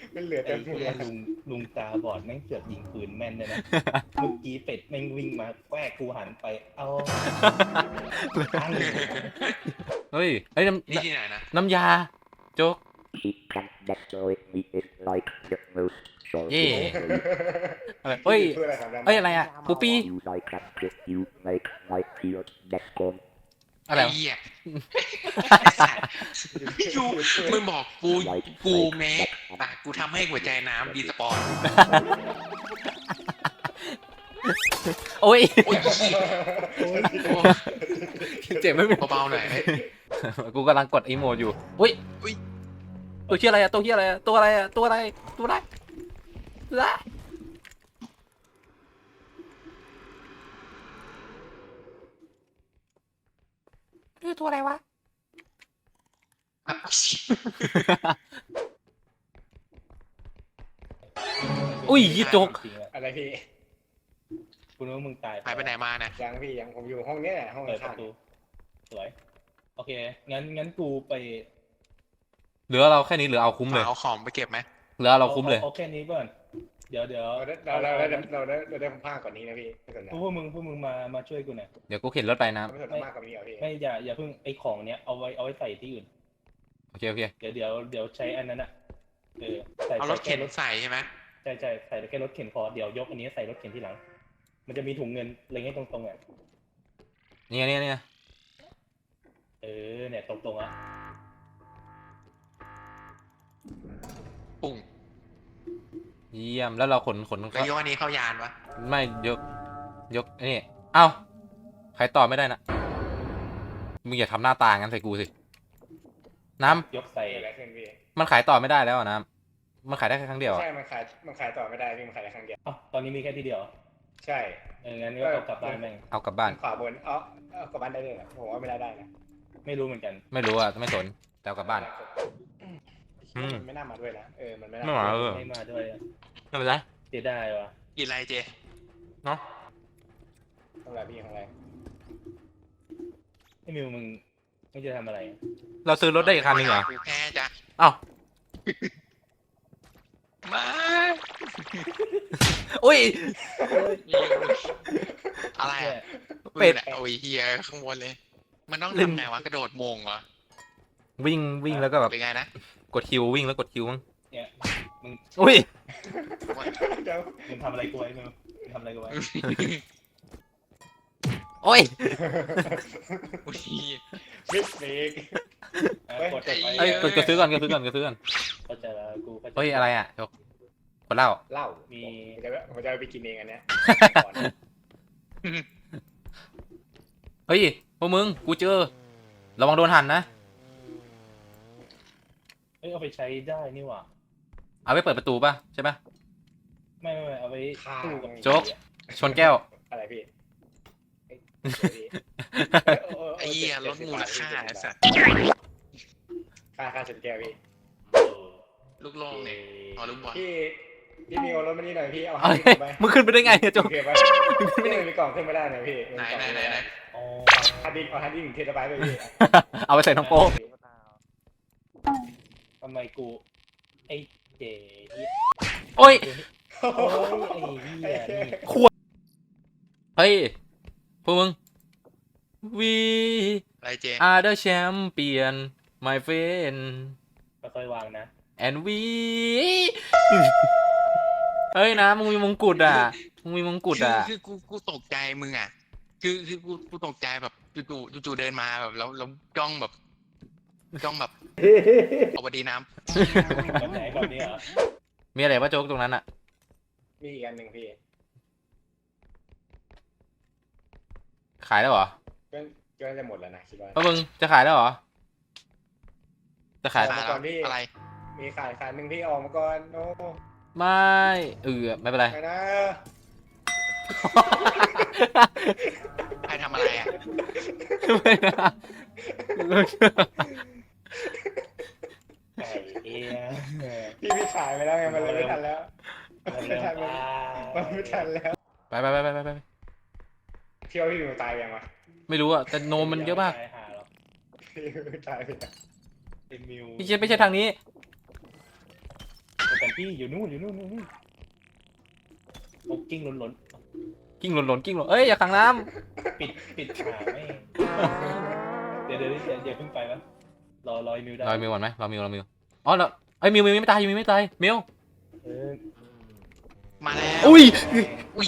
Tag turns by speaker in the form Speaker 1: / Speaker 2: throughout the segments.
Speaker 1: มันเหลือ
Speaker 2: ไอ้
Speaker 1: แต่หัว
Speaker 2: ลุงตาบอดแม่งเสือกยิงปืนแม่นเลยนะเมื่อกี้เป็ดแม่งวิ่งมาแกล้กูหันไปเอาตั้ง
Speaker 3: เฮ้ยไอ้ย
Speaker 4: นี่ที่ไหนนะ
Speaker 3: น้ำยาโจ๊ก
Speaker 5: He can destroy me is like the most
Speaker 3: เย่
Speaker 5: sorcery.
Speaker 3: อะไรเฮ้ย
Speaker 1: ช่วยอะไรครับ
Speaker 3: เอ้ยอะไรอ่ะปูปี้
Speaker 5: You like that if you make my field that come.
Speaker 3: อะไร
Speaker 4: ไอ้
Speaker 3: วะ
Speaker 4: เหี้ยยูมึงบอกกูแม้กูทำให้หัวใจน้ำดีสปอน
Speaker 3: โอ้ย
Speaker 4: โอ้ย
Speaker 3: เจ็บไม่เป็น
Speaker 4: เบาๆหน่อย
Speaker 3: กูกำลังกดอีโมดอยู่อุ้ย
Speaker 4: อุ๊ย
Speaker 3: ตัวเชี่ยอะไรอะตัวเชี่ยอะไรอะตัวอะไรอะตัวอะไรตัวอะไรตัวอะไรตัวอะไรวะอุ้ยยี่จก
Speaker 2: จริงๆอะ
Speaker 1: อะไรพี่
Speaker 2: กูนึกว่ามึงตาย
Speaker 4: หายไปไหนมาเนี่ย
Speaker 1: ยังพี่ยังผมอยู่ห้องเนี้ยแหละห้อง
Speaker 2: เปิดป
Speaker 1: ข้าง
Speaker 2: ระตูสวยโอเคงั้นกูไป
Speaker 3: เหลือเราแค่นี้เหลือเอาคุ้มเลย
Speaker 4: เอาของไปเก็บไหม
Speaker 3: เหลือเราคุ้มเลย
Speaker 2: เอาแค่นี้ก่อนเดี๋ยว
Speaker 1: เราได้ผ้าก่อนนี้นะพี่ไม่สนนะ
Speaker 2: พวกมึงมาช่วยกูหน่อย
Speaker 3: เดี๋ยวกูเข็นรถไปนะ
Speaker 1: ไม่สนมากกว่านี้เหรอพี่
Speaker 2: ไม่อย่าเพิ่งไอ้ของเนี้ยเอาไว้ใส่ที่อื่น
Speaker 3: โอเคโอเค
Speaker 2: เดี๋ยวใช้อันนั้นอะใส่
Speaker 4: เอารถเข็นใส่ใช่ไหม
Speaker 2: ใช่ใส่แค่รถเข็นพอเดี๋ยวยกอันนี้ใส่รถเข็นที่หลัง มันจะมีถุงเงินเล็งให้ตรงๆอ่ะ
Speaker 3: เนี่ย
Speaker 2: เนี่ยตรงๆอ่ะ
Speaker 4: ปุ่ง
Speaker 3: เยี่ยมแล้วเราขน
Speaker 4: แล้วยกอันนี้เข้ายานวะ
Speaker 3: ไม่ยกนี่เอ้าใครต่อไม่ได้นะมึงอย่าทำหน้าตางั้นใส่กูสิน้ำ
Speaker 2: ยกใส่
Speaker 1: อะไรขึ้นพี่
Speaker 3: มันขายต่อไม่ได้แล้วอะน้ำมันขายได้แค่ครั้งเดียวอะ
Speaker 1: ใช่มันขายต่อไม่ได้พี่มันขายได้ครั้งเดียว
Speaker 2: อ้าวตอนนี้มีแค่ที่เดียวเหรอ
Speaker 1: ใช่
Speaker 2: งั้นก็เอากลับบ้านแม่ง
Speaker 3: เอากลับบ้าน
Speaker 1: ขวาบนเอากลับบ้านได้เลยเหรอผมว่าไม่ได้นะ
Speaker 2: ไม่รู้เหมือนกัน
Speaker 3: ไม่รู้อะไม่สนแต่เอากลับบ้าน อืม
Speaker 1: มันไม่น่ามาด้วยนะมันไม่น่า
Speaker 3: ไม่มาเออ
Speaker 2: ไม่มาด้วยอะ
Speaker 3: ไม่เป็นไร
Speaker 2: เสียดายวะ
Speaker 4: กินอะไรเจ
Speaker 3: เนาะ
Speaker 1: ทำไรพี่ทำไร
Speaker 2: ไอ้มิวมึงไม่จะทำอะไร
Speaker 3: เราซื้อรถได้อีกคันหนึงเหรอ
Speaker 4: กูแพ้จ้ะ
Speaker 3: เอ้า
Speaker 4: มา
Speaker 3: อุ้ย
Speaker 4: อะไร
Speaker 2: เนี่ย
Speaker 4: อะ
Speaker 3: เป็ด
Speaker 4: โอ้ยเฮียข้างบนเลย มันต้อง
Speaker 3: ลืม
Speaker 4: ทำไงวะกระโดดโมงเหรอ
Speaker 3: วิ่งแล้วก็แบบ
Speaker 4: เป็นไงนะ
Speaker 3: กดคิววิ่งแล้วกดคิวมั้ง
Speaker 2: เนี่ยมึง
Speaker 3: อุ้ย
Speaker 1: เดี๋ยว
Speaker 2: มึงทำอะไรกูไว้มิวมึงทำอะไรกูไว้
Speaker 3: โอ้ย
Speaker 4: โอ้ย
Speaker 1: มิสเมก
Speaker 2: กดไป
Speaker 3: เอ้ยกดซื้อก่อน
Speaker 2: เข้าใจแล้วกูเข้าใจ
Speaker 3: เฮ้ยอะไรอะจกกดเหล้า
Speaker 1: เหล้า
Speaker 2: มี
Speaker 1: ผมจะไปกินเองอันเนี้ย
Speaker 3: เฮ้ยพวกมึงกูเจอระวังโดนหั่นนะ
Speaker 2: เอาไปใช้ได้นี่หว่า
Speaker 3: เอาไว้เปิดประตูป่ะใช่ป่ะ
Speaker 2: ไม่เอาไว้สู้กับ
Speaker 3: โจ๊ก ชนแก้ว
Speaker 1: อะไรพี่
Speaker 4: ไอ้เหี้ยลดมูลค่าไอ้สัส
Speaker 1: ค่าชนแก้วพี่
Speaker 4: ลูกโลงเนี่ยเอาลูกบอล
Speaker 1: พี่มีเอารถมานี่หน่อยพี่เอา
Speaker 3: เอ้
Speaker 1: ให้
Speaker 3: ย
Speaker 1: ไป
Speaker 3: มึงขึ้นไปได้ไงเนี่ยโจก
Speaker 1: โอเคไปไม่มีกล่องขึ้นไม่ได้นะพี่
Speaker 4: ไหน
Speaker 2: อ๋อ
Speaker 1: ฮาร์ดดิสก์เอาฮาร์ดดิสก์เทราไบต์ไปพี่
Speaker 3: เอาไปใส่น้องโป๊ก
Speaker 2: ทำไมกูไอ้เจ๋ย
Speaker 3: โอ้ย
Speaker 2: โอ้ยไอ้เหี้ยนี่
Speaker 3: เฮ้ยพวกมึง We
Speaker 4: อะไรเจ
Speaker 3: are the champion my friend
Speaker 2: ค่อยๆวางนะ
Speaker 3: and we เฮ้ยนะมึงมีมงกุฎอ่ะมึงมีมงกุฎอ่ะ
Speaker 4: คือกูตกใจมึงอ่ะ คือกูตกใจแบบจู่เดินมาแบบแล้วจ้องแบบเอาบดีน้
Speaker 2: แบบไหนแบบนี้เหรอ
Speaker 3: มีอะไรวะโจ๊กตรงนั้นอ่ะ
Speaker 1: มีอีกอันหนึ่งพี่
Speaker 3: ขายแล้วเหรอ
Speaker 1: ก็จะหมดแล้วนะคิดว่า
Speaker 3: พวกมึงจะขายแล้วเหรอจะ
Speaker 4: ำ
Speaker 3: ขาย
Speaker 4: ขายแล้วอะไร
Speaker 1: มีขายหนึ่งพี่ออกมาก่อนโอ้
Speaker 3: ไม่ไม่เป็นไร
Speaker 1: ไม่นะ
Speaker 4: ใครทำอะไรอ่ะ
Speaker 3: ไม่นะ
Speaker 2: ไอ้เหี้ย
Speaker 1: พี่ขายไปแล้วไงมันเลยไม่ทันแล้ว
Speaker 2: มันเริ่ม
Speaker 1: มันไม่ทันแล้ว
Speaker 3: ไป
Speaker 1: เที่ยวพี่หนูตายยังวะ
Speaker 3: ไม่รู้อ่ะแต่โนมมันเยอะมาก
Speaker 2: หาหรอก
Speaker 1: พี่ตายไปแล้ว
Speaker 2: ไอ้มิว
Speaker 3: ไม่ใช่ทางนี้
Speaker 2: เป็นพี่อยู่นู่นเอากิ้งล้น
Speaker 3: กิ้งหล่นกิ้งหล่นเอ้ยอย่าขังน้
Speaker 2: ๆปิดขาไม่เดี๋ยวเพิ่งไปมั้ยรอมิวได้
Speaker 3: ำรอมิวก่อนไหมรอมิวอ๋อแล้วไอ้ยมิวไม่ตายมิวไม่ตายมิว
Speaker 2: เออ
Speaker 4: มาแล้ว
Speaker 3: อุ้ย
Speaker 4: อุ้ย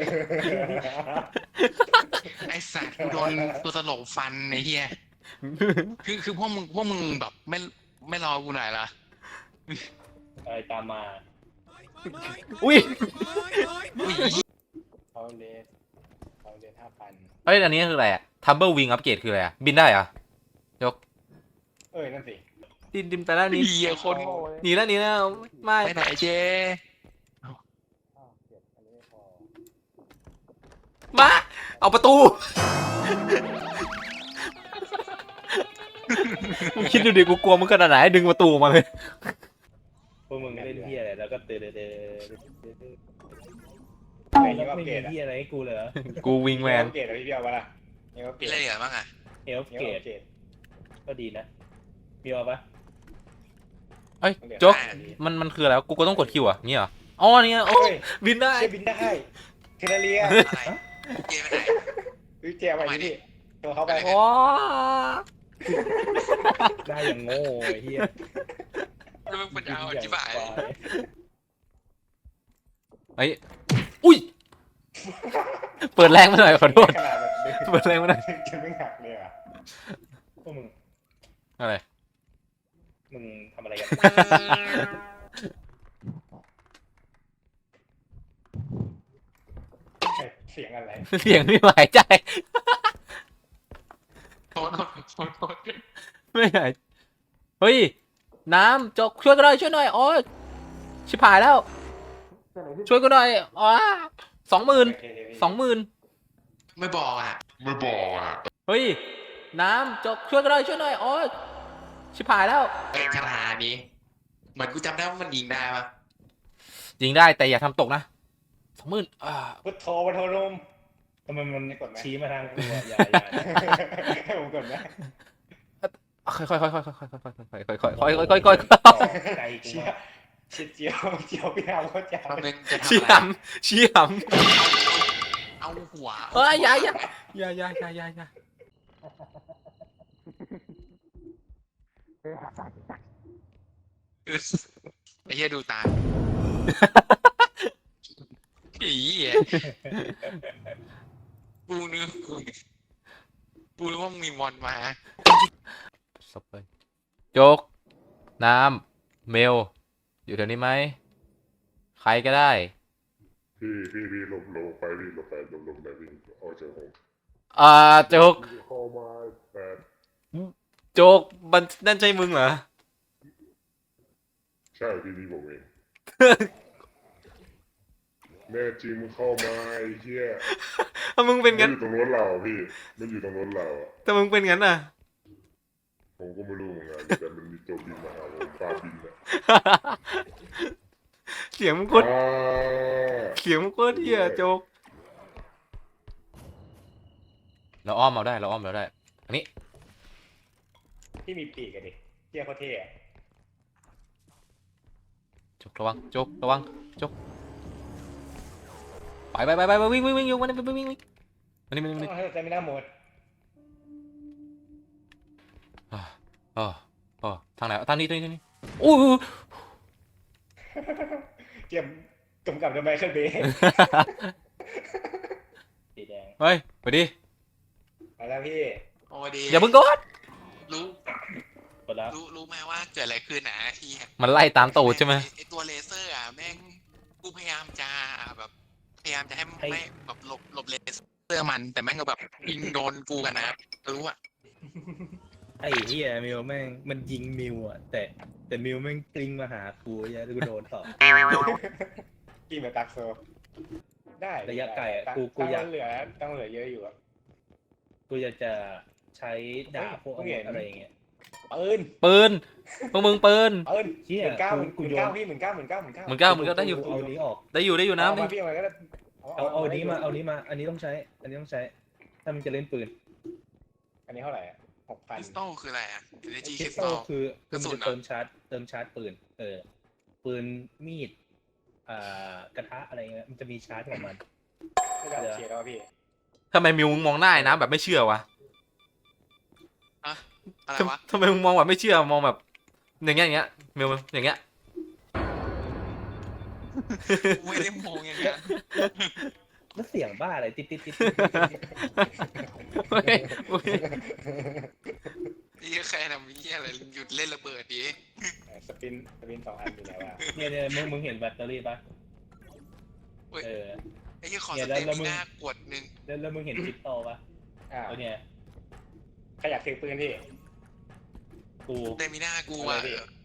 Speaker 4: ไอสัตว์กูโดนตัวตลกฟันไอ้เหี้ยคือพวกมึงแบบไม่รอกูหน่อยละ
Speaker 2: อะไรตามมา
Speaker 3: อุ้ย
Speaker 4: อุ้ย
Speaker 1: เขาเลส5,000
Speaker 3: เอ้ยอันนี้คืออะไรอะทัมเบิลวิงอัปเกรดคืออะไรอะบินได้เหรอ
Speaker 1: นั่นสิ
Speaker 3: ดินไปแล้วนี่
Speaker 4: เหี้ยคน
Speaker 3: หนีแล้วไม่
Speaker 4: ไปไหนเจ๊
Speaker 1: เก็บอันนี้ไม่พอ
Speaker 3: มาเอาประตูมึงคิดดูดิกูกลัวมึงขนาดไหนดึงประตูออกมาเลย
Speaker 2: พวกมึงเล่นเหี้ยอะไรแล้วก็ตื่น
Speaker 1: ไม่
Speaker 2: แล้ว
Speaker 1: ก็
Speaker 2: ไม่
Speaker 1: เก
Speaker 2: มี
Speaker 1: ตอะ
Speaker 2: เหี้ยอะไรให้กูเลยเหรอ
Speaker 3: กูวิงแมน
Speaker 1: เกตอะพี่เบียร์วะล่ะนี่ก็เก
Speaker 4: มี
Speaker 1: ต
Speaker 4: อะไรเหลือบ้างอ่ะ
Speaker 2: เอลฟ์
Speaker 1: นี่
Speaker 2: เก
Speaker 1: ก็
Speaker 2: ต
Speaker 1: เกต
Speaker 2: ก็ดีนะมีเอาปะ
Speaker 3: เอ้ยโจ๊กมันคืออะไรวะกูก็ต้องกดคิวอ่ะงี้เหรออ๋อเนี่ยโอ้
Speaker 1: เฮ้ย
Speaker 3: บินได้
Speaker 1: เชฟบินได้เทเลเรีย
Speaker 4: อะไรเจ๊ไปไหน
Speaker 1: วิเจียไปดิพี่ตัวเขาไป
Speaker 3: โอ้
Speaker 2: ได้อย่างโง่ไอ้เหี้ย
Speaker 4: แล้วมึงเป็นเอาจิ๋วาย
Speaker 3: ไอ้ยอุ้ยเปิดแรงมาหน่อยขอโทษ
Speaker 1: ขนาดแบบดึง
Speaker 3: เปิดแรงมาหน่อย
Speaker 1: จะไม่หักเลยอ่ะ
Speaker 2: พวกมึง
Speaker 3: อะไร
Speaker 2: มึงทำอะไรกัน
Speaker 1: เสียงอะไร
Speaker 3: เสียงไม่หายใจ
Speaker 4: โทษ
Speaker 3: ไม่หายเฮ้ยน้ำจกช่วยกันหน่อยช่วยหน่อยอ๋อชิบหายแล้ว ช่วยกันหน่อยอ๋อ20,000
Speaker 4: ไม่บอกอ่ะ
Speaker 3: เฮ้ยน้ำจกช่วยกันหน่อยช่วยหน่อยอ๋อชิบหายแล้ว
Speaker 4: ไอ้คาถานี้เหมือนกูจำได้ว่ามันยิงได้ปะ
Speaker 3: ยิงได้แต่อย่าทำตกนะ20,000
Speaker 1: พุทโธวัฒนม
Speaker 2: ทำไมมัน
Speaker 1: กดไหม
Speaker 2: ชี้มาทางกูอะอย่า
Speaker 1: ให้ผมกดไหม
Speaker 3: ค่อยๆ
Speaker 2: ใจกู
Speaker 1: เชี่ย
Speaker 2: มาก
Speaker 1: เจียวพี่น้ำเขาจะ
Speaker 4: แป๊บนึงจะทำ
Speaker 3: ชี้
Speaker 4: อะไร
Speaker 3: หำชี้ห
Speaker 4: เอาหัว
Speaker 3: ำเอ้ยอย่า
Speaker 4: ไอ้เหี้ยดูตาผีอ่ะกูนึกว่ามึงมีมอนมา
Speaker 3: ศพเลยโจกน้ำเมลอยู่แถวนี้ไหมใครก็ได้
Speaker 6: พี่หลบไปพี่หลบไปพี่ออกจากห้อง
Speaker 3: โจก
Speaker 6: เข้ามาแต่
Speaker 3: โจกมันนั่นใช่มึงเหรอ
Speaker 6: ใช่พี่ผมเองแน่จริงมึงเข้ามาไอ้เหี้ย
Speaker 3: ถ้ามึงเป็น
Speaker 6: มัน
Speaker 3: งั้น
Speaker 6: อยู่ตรงรถเราพี่มันอยู่ตรงรถเราอ่ะ
Speaker 3: ถ้ามึงเป็นงั้นน่ะ
Speaker 6: ผมก็ไม่รู้เหมือนกันแต่มันมีตัวบินมาหาผมฟ้าบินอะ
Speaker 3: เสียงมึงโคตร
Speaker 6: อ่า
Speaker 3: เสียงมึงโคตรเหี้ยโจกเราอ้อมเราได้อันนี้
Speaker 1: ที่มีปีกอะดิเจียเขาเท่อะ
Speaker 3: โจกระวังโจกระวังโจกไปวิ่งอยู่มันวิ่งมันนี่
Speaker 1: ต้องให้ใจไม่น่าหมด
Speaker 3: อ๋อทางไหนทางนี้อู้
Speaker 1: เจียมกำกับโดยไมเคิลเบย์
Speaker 2: สีแดง
Speaker 3: เฮ้ยไปดิ
Speaker 1: มาแล้วพี่
Speaker 4: โอ้ดี
Speaker 3: อย่าเพิ่งกด
Speaker 4: รู้
Speaker 2: กดแล้ว
Speaker 4: รู้ไหมว่าเกิดอะไรขึ้นนะที่
Speaker 3: มันไล่ตามตูดใช่ไหม
Speaker 4: ไอตัวเลเซอร์อ่ะแม่งกูพยายามจะแบบพยายามจะให้ไม่แบบหลบเลเซอร์มัน แต่แม่งก็แบบยิงโดนกูกันนะรู้อ่ะ
Speaker 2: ไอ้เหี้ยมิวแม่งมันยิงมิวอ่ะแต่มิวแม่งกลิ้งมาหากูไอ้เหี้ยแล้วกูโดนต่อ
Speaker 1: กินแบบตักโซได้
Speaker 2: ระยะไกลอะ
Speaker 1: ตั้ง
Speaker 2: กูอยาก
Speaker 1: เหลือเยอะอยู่อะ
Speaker 2: กูจะใช้ดาบพวกอาวุธอะไรอย่างเงี้ย
Speaker 1: ปืน
Speaker 3: พวกมึงปืน
Speaker 2: เชี่ย
Speaker 1: 19,000พี่19,000
Speaker 3: มึงก็ได้อยู่
Speaker 2: เอานี้ออก
Speaker 3: ได้อยู่น้ำ
Speaker 1: เอา
Speaker 3: ดิ
Speaker 1: มาพี่เอามาก็ได้
Speaker 2: เอานี้มาอันนี้ต้องใช้ถ้ามันจะเล่นปืน
Speaker 1: อันนี้เท่าไหร่
Speaker 4: คริส
Speaker 1: 6,000
Speaker 4: ตัลคืออะไรอ่ะ energy
Speaker 2: คริส
Speaker 4: crystal
Speaker 2: ตัลคือมัน
Speaker 4: กระสุน
Speaker 2: จะ
Speaker 4: เหรอ
Speaker 2: เติมชาร์จปืนปืนมีดกระทะอะไรเงี้ยมันจะมีชาร์จของมัน
Speaker 1: ไม่ได้โอเคแล้วพี่
Speaker 3: ทำไมมิวมึงมองหน้าไอ้น้ำแบบไม่เชื่อวะ
Speaker 4: อะไรวะ
Speaker 3: ทำไมมึงมองแบบไม่เชื่อมองแบบอย่างเงี้ยมิวอย่างเงี้ย
Speaker 4: กูไม่ได้มองอย่างนั้น
Speaker 2: แล้วเสียงบ้าอะไรติด
Speaker 3: เฮ้ยอุ๊ย
Speaker 4: นี่แค่ทำเหี้ยอะไรหยุดเล่นระเบิดดิ
Speaker 1: สปิน2 อันอยู่ไหนวะ
Speaker 2: เนี่ยมึงเห็นแบตเตอรี่ปะเออ
Speaker 4: ไอ้ยี่ขอ
Speaker 2: เนี่
Speaker 4: ส
Speaker 2: ยแล้ว
Speaker 4: เต็ม
Speaker 2: มึง
Speaker 4: หน้ากดหนึ่ง
Speaker 2: แล้วมึงเห็นคริปโตปะ
Speaker 1: อ้าว
Speaker 2: ตัวเนี่ย
Speaker 1: ใครอยากถือปืนพี่
Speaker 2: กู
Speaker 4: เต็มหน้ากู
Speaker 1: อะไร
Speaker 4: อ่ะ
Speaker 1: พี่